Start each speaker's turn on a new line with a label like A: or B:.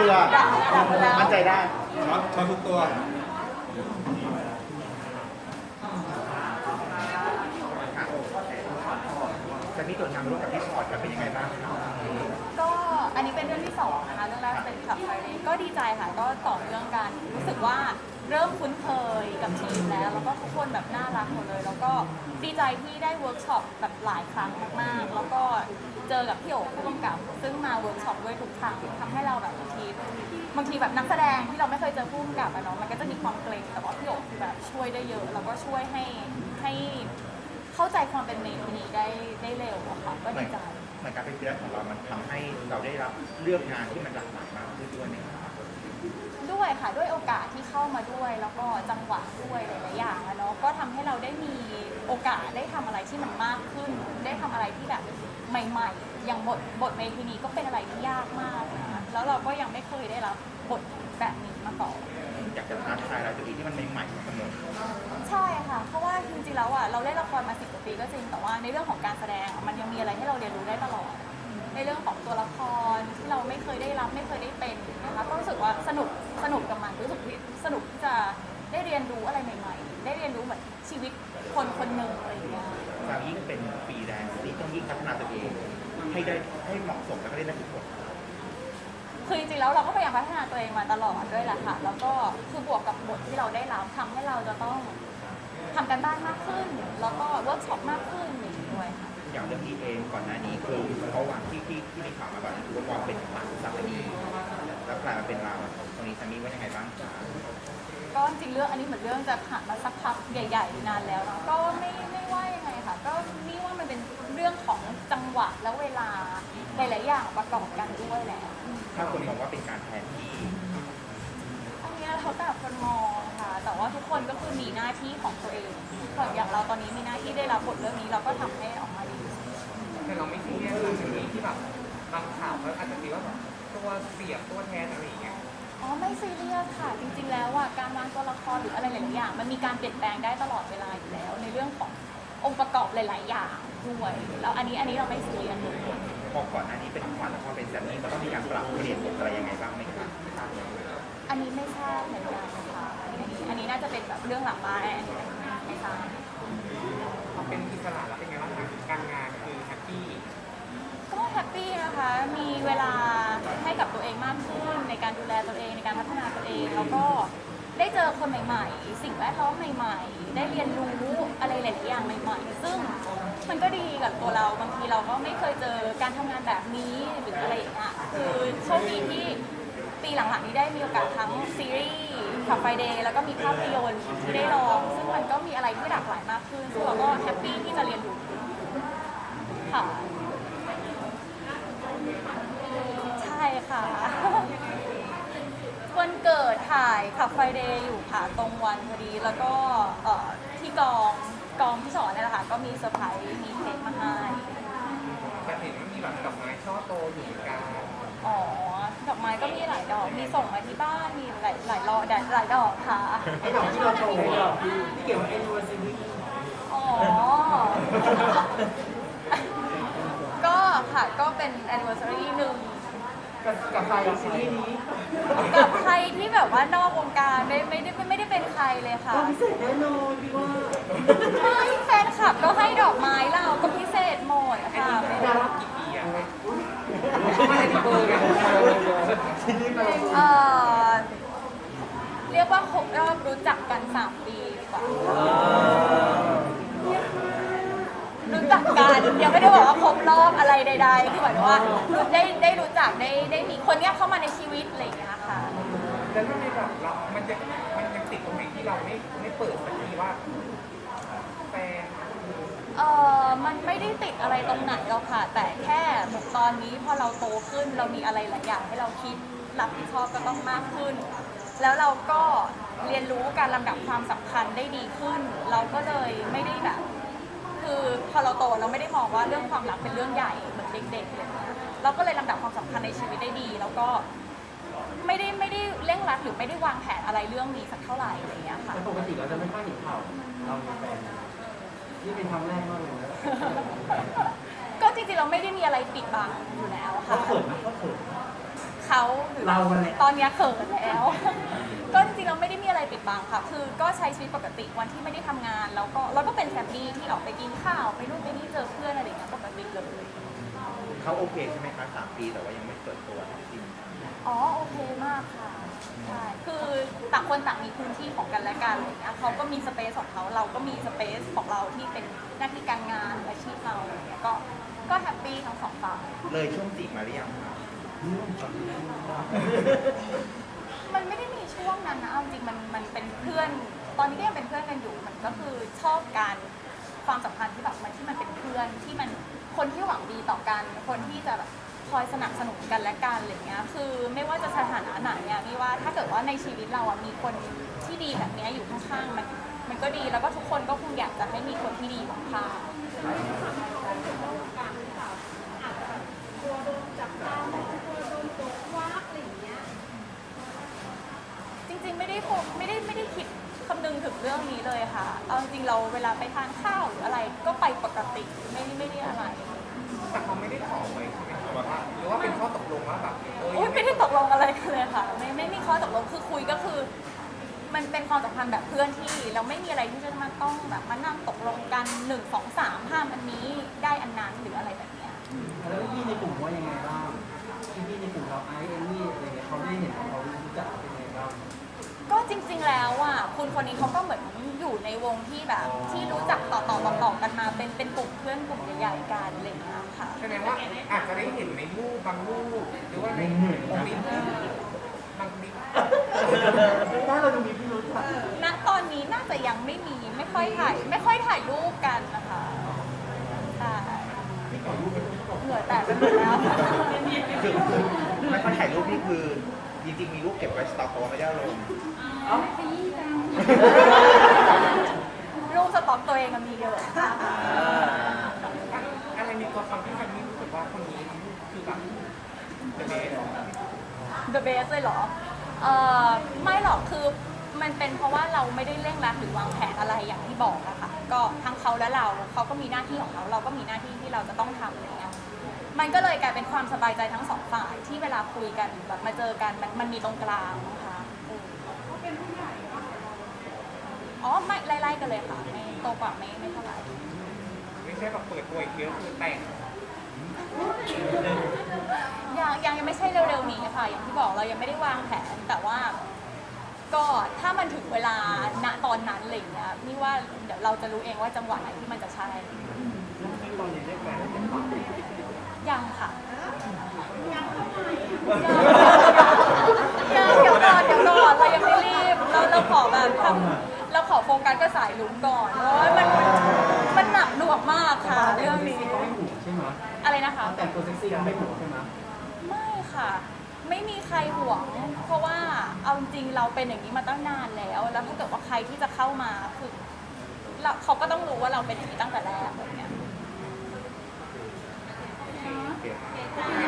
A: รือมั่นใจได้
B: ช็อตทุกตัว
A: จะมีตัวทางร่วมกับพี่ชอตกันเป็นยังไงบ้าง
C: ก็อันนี้เป็นเรื่องที่สองนะคะเรื่องแรกเป็นขับไฟเลยก็ดีใจค่ะก็ต่อเรื่องกันรู้สึกว่าเริ่มคุ้นเคยกับทีมแล้วก็ทุกคนแบบน่ารักหมดเลยแล้วก็ดีใจที่ได้เวิร์กช็อปแบบหลายครั้งมากๆแล้วก็เจอกับพี่โอ๋ผู้กำกับซึ่งมาเวิร์กช็อปด้วยทุกครั้งทำให้เราแบบบางทีแบบนักแสดงที่เราไม่เคยเจอผู้กำกับอะเนาะมันก็จะมีความเกรงแต่ว่าพี่โอ๋คือแบบช่วยได้เยอะแล้วก็ช่วยให้เข้าใจความเป็นเมย์ที่นี้ได้เร็วอะค่ะก็ดีใจ
A: เหมือนการเป็นเพื่อนของเรามันทำให้เราได้รับเลือกงานที่มันหลากหลายมากขึ้นด้วยนะครับ
C: ด้วยค่ะด้วยโอกาสที่เข้ามาด้วยแล้วก็จังหวะด้วยหลายๆอย่างเนาะก็ทำให้เราได้มีโอกาสได้ทำอะไรที่มันมากขึ้นได้ทำอะไรที่แบบใหม่ๆอย่างบทเมทีนี้ก็เป็นอะไรที่ยากมากนะแล้วเราก็ยังไม่เคยได้รับบทแบบนี้มาก่อน
A: อยากจะท้าทายอะไรตัวเองที่มันใหม่ๆเสมอ
C: ใช่ค่ะเพราะว่าจริงๆแล้วอ่ะเราเล่นละครมา10 กว่าปีก็จริงแต่ว่าในเรื่องของการแสดงมันยังมีอะไรให้เราเรียนรู้ได้ตลอดในเรื่องของตัวละครที่เราไม่เคยได้รับไม่เคยได้เป็นนะคะก็รู้สึกว่าสนุกกับมันรู้สึกสนุกที่จะได้เรียนรู้อะไรใหม่ๆได้เรียนรู้เหมือนชีวิตคนคนหนึ่งอะไรอย่างเงี้ย
A: การยิ่งเป็นฟรีแลนซ์ที่ต้องยิ่งพัฒนาตัวเองให้เหมาะสมแล้วก็ได้ทุกคน
C: คือจริงๆแล้วเราก็พยายามพัฒนาตัวเองมาตลอดด้วยแหละค่ะแล้วก็คือบวกกับบทที่เราได้รับทำให้เราจะต้องทำกันบ้านมากขึ้นแล้วก็เวิร์กช็อปมากขึ้นอย่างนี้ด้วยค่ะ
A: อย่างเรื่องที่เองก่อนหน้านี้คือเขาวางที่มีข่าวมาแบบนี้คือว่าวางเป็นฝั่งสามีแล้วกลายมาเป็นเราตรงนี้สามีว่ายังไงบ้างคะ
C: ก็จริงเรื่องอันนี้เหมือนเรื่องจะผ่านมาสักพักใหญ่ๆนานแล้วนะก็ไม่ว่ายังไงค่ะก็นี่ว่ามันเป็นเรื่องของจังหวะและเวลาหลายๆอย่างประกอบกันด้วยแหละ
A: ถ้าคนมองว่าเป็นการแทนที่
C: อันนี้เขาแต่คนมองค่ะแต่ว่าทุกคนก็คือมีหน้าที่ของตัวเองอย่างเราตอนนี้มีหน้าที่ได้รับบทเรื่องนี้เราก็ทำให้ออกมาดี
D: แต่เราไม่ซีเรียสเลยที่แบบบางข่าวเขาอาจจะคิดว่าแบบตัวเสียบตัวแทนอะไรอย่างเงี้ย
C: อ๋อไม่ซีเรียสค่ะจริงๆแล้วอ่ะการวางตัวละครหรืออะไรหลายๆอย่างมันมีการเปลี่ยนแปลงได้ตลอดเวลาอยู่แล้วในเรื่องขององค์ประกอบหลายๆอย่างด้วยแล้วอันนี้เราไม่ซีเรียสเลย
A: พอก่อนหน้านี้เป็นขวัญแล้วพอเป็นแซมมี่มันต้องมีการปรับเปลี่ยนบทอะไรยังไงบ้างไหมคะ
C: อันนี้ไม่ทราบเหมือนกันนะคะอันนี้น่าจะเป็นแบบเรื่องหลังบ้านไม่ทราบ
D: พอเป็นอิสระแล้วเป็นไงบ้างคะการงานคือแฮปปี้
C: ก็แฮปปี้นะคะมีเวลาให้กับตัวเองมากขึ้นในการดูแลตัวเองในการพัฒนาตัวเองแล้วก็ได้เจอคนใหม่ๆสิ่งแวดล้อมใหม่ๆได้เรียนรู้อะไรหลายๆอย่างใหม่ๆซึ่งมันก็ดีกับตัวเราบางทีเราก็ไม่เคยเจอการทำงานแบบนี้หรืออะไรอย่างเงี้ยคือโชคดีที่ปีหลังๆนี้ได้มีโอกาสทั้งซีรีส์ขับไฟเดย์แล้วก็มีภาพยนตร์ที่ได้ลองซึ่งมันก็มีอะไรที่หลากหลายมากขึ้นซึ่งเราก็แฮปปี้ที่จะเรียนรู้ค่ะใช่ค่ะวันเกิดถ่ายขับไฟเดย์อยู่ค่ะตรงวันพอดีแล้วก็ที่กองที่สอนเนี่ยแหละค่ะก็มีเซอร์ไพรส์มีเค้กมาให้
D: แต่เห็นว่ามีแบบดอกไม้ช่อโตอยู่เหมือนกัน
C: อ๋อดอกไม้ก็มีหลายดอกมีส่งมาที่บ้านมีหลายดอกค่ะ
E: ไอ้ดอกที่เราโชว์ดอกที่เกี่ยวกับ anniversary
C: อ๋อก็ค่ะก็เป็น anniversary หนึ่ง
E: กับใครซีรีส์นี้
C: กับใครที่แบบว่านอกวงการไม่ได้เป็นใครเลยค่ะ
E: พิเศษแน่นอนพี่ว่า
C: ไม่แฟนคลับก็ให้ดอกไม้เราก็พิเศษหมดค่ะ
D: ดารากี่ปีอะไม่ได้เบอร์กัน
C: เรียกว่าครบรอบรู้จักกัน3 ปีดีกว่ารู้จักกันยังไม่ได้บอกว่าครบรอบอะไรใดๆคือหมายถึงว่าได้รู้จักได้มีคนเนี้ยเข้ามาในชีวิตอะไรอย่างเงี้ยค่ะ
D: แล้วมันมีแบบมันยังติดตรงไหนที่เราไม่เปิดสักทีว่าแฟน
C: มันไม่ได้ติดอะไรตรงไหนหรอกค่ะแต่แค่เหมือนตอนนี้พอเราโตขึ้นเรามีอะไรหลายอย่างให้เราคิดรับผิดชอบก็ต้องมากขึ้นแล้วเราก็เรียนรู้การลำดับความสำคัญได้ดีขึ้นเราก็เลยไม่ได้แบบคือพอเราโตเราไม่ได้มองว่าเรื่องความรักเป็นเรื่องใหญ่เหมือนเด็กๆเลยเราก็เลยลำดับความสำคัญในชีวิตได้ดีแล้วก็ไม่ได้เร่งรัดหรือไม่ได้วางแผนอะไรเรื่องนี้สักเท่าไหร่อะไรอย่างเงี้ยค่ะ
E: ปกติเราจะไม่ค่อยเห็นข่าวเรามีแฟนนี่เป็นครั้งแรกมากเลยนะ
C: ก็จริงๆเราไม่ได้มีอะไรปิดบังอยู่แล้วค่ะ
E: เขาเขินไหมเขาเขิน
C: เขาหรือ
E: เรากันแหละ
C: ตอนเนี้ยเขินแล้ว ก็จริงๆเราไม่ได้มีอะไรปิดบังค่ะ คือก็ใช้ชีวิตปกติวันที่ไม่ได้ทำงานแล้วก็เป็นแฟมิลี่ที่ออกไปกินข้าวไปนู่นไปนี่เจอเพื่อนอะไรอย่างเงี้ยปกติเลย
A: เขาโอเคใช่ไหมคะ3 ปีแต่ว่ายังไม่เปิดตัวจริง
C: อ๋อโอเคมากค่ะใช่คือต่างคนต่างมีพื้นที่ของกันและกันอะไรอย่างเงี้ยเขาก็มีสเปซของเขาเราก็มีสเปซของเราที่เป็นหน้าที่การงานอาชีพเราอะไรอย่างเงี้ยก็แฮปปี้ทั้งสองฝ่าย
A: เลยช่วงจีบมาหรือยังคะ
C: มันไม่ได้มีช่วงนั้นนะเอาจริงมันเป็นเพื่อน ตอนนี้ก็ยังเป็นเพื่อนกันอยู่มันก็คือชอบการความสัมพันธ์ที่แบบมันเป็นเพื่อนที่มันคนที่หวังดีต่อกันคนที่จะแบบคอยสนับสนุนกันและกันอะไรเงี้ยคือไม่ว่าจะสถานะไหนอะนี่ว่าถ้าเกิดว่าในชีวิตเราอะมีคนที่ดีแบบเนี้ยอยู่ข้างๆมันก็ดีแล้วก็ทุกคนก็คงอยากจะให้มีคนที่ดีอยู่ข้างจริงๆไม่ได้คิดคำนึงถึงเรื่องนี้เลยค่ะเอาจริงๆเราเวลาไปทานข้าวหรืออะไรก็ไปปกติไม่ได้อะไร
D: แต่เขาไม่ได้ขอไว้ใช่ไหมคะว่าหรือว่าเป็นข้อตกลงว่าแบบ
C: อุ๊ยไม่ได้ตกลงอะไรกันเลยค่ะไม่มีข้อตกลงคือคุยก็คือ มันเป็นความสัมพันธ์แบบเพื่อนที่เราไม่มีอะไรที่จะมาต้องแบบมานั่งตกลงกัน1 2 3ห้ามอันนี้ได้อันนั้นหรืออะไรแบบเนี้ย
E: แล้วพี่ในกลุ่มว่ายังไงบ้างพี่ในกลุ่มเราไอซ์เอมมี่อะไรเงี้ยเขาได้เห็นของเรารู้จักเป็นยังไงบ้าง
C: ก็จริงๆแล้วอ่ะคุณคนนี้เขาก็เหมือนอยู่ในวงที่แบบที่รู้จักต่อกันมาเป็นกลุ่มเพื่อนกลุ่มใหญ่ๆกันอะไรอย่างเงี้ยค่ะ
D: แสดงว่าอาจจะได้เห็นในรูปบางรูปหรือว่าในคลิปบางคลิป
E: ถ้าเราดูมีพี่รู้จัก
C: ณตอนนี้น่าจะยังไม่มีไม่ค่อยถ่ายรูปกันนะคะใช่เหงื่อแตกไปหมดแล้ว
A: คือไม่ค่อยถ่ายรูปนี่คือจริงๆมีรูปเก็บไว้สต็อกแต่ว่าไม่ได้ลง
C: รูปสต็อกตัวเองมันมีเยอะค่ะ
D: อะไรมีตัวตนที่มันนี่รู้สึกว่าคนนี้คือแบบเดอะเบส
C: The best เลยเหรอไม่หรอกคือมันเป็นเพราะว่าเราไม่ได้เร่งรัดหรือวางแผนอะไรอย่างที่บอกอะค่ะก็ทั้งเขาและเขาก็มีหน้าที่ของเขาเราก็มีหน้าที่ที่เราจะต้องทำอะไรเงี้ยมันก็เลยกลายเป็นความสบายใจทั้งสองฝ่ายที่เวลาคุยกันแบบมาเจอกันมันมีตรงกลางนะคะอ๋อไม่ไล่ๆกันเลยค่ะไม่โตกว่าไม่เท่าไหร่
D: ไม่ใช่แบบเปิดตัวอีกทีก็คือแต่ง
C: ยังไม่ใช่เร็วๆนี้ค่ะอย่างที่บอกเรายังไม่ได้วางแผนแต่ว่า ก็ถ้ามันถึงเวลาณตอนนั้นอะไรอย่างเงี้ยนี่ว่าเดี๋ยวเราจะรู้เองว่าจังหวะไหนที่มันจะใช่
E: ตอนนี้ได้แฟนเป็นปาก
C: ยังค่ะยังเดี๋ยวก่อนเรายังไม่รีบเราขอแบบเราขอโฟกัสกับสายลุ้มก่อนเพราะว่ามันหนักหน่วงมากค่ะเรื่องนี้
E: ก็ไม่หูใช่ไหม
C: อะไรนะคะ
E: แต่งตัวเซ็กซี่ก็ไม่หูใช่ไหม
C: ไม่ค่ะ ไม่มีใครห่วง เพราะว่าเอาจริงเราเป็นอย่างนี้มาตั้งนานแล้วถ้าเกิดว่าใครที่จะเข้ามาคือเขาก็ต้องรู้ว่าเราเป็นอย่างนี้ตั้งแต่แรกแบบเนี้ย
A: โอเค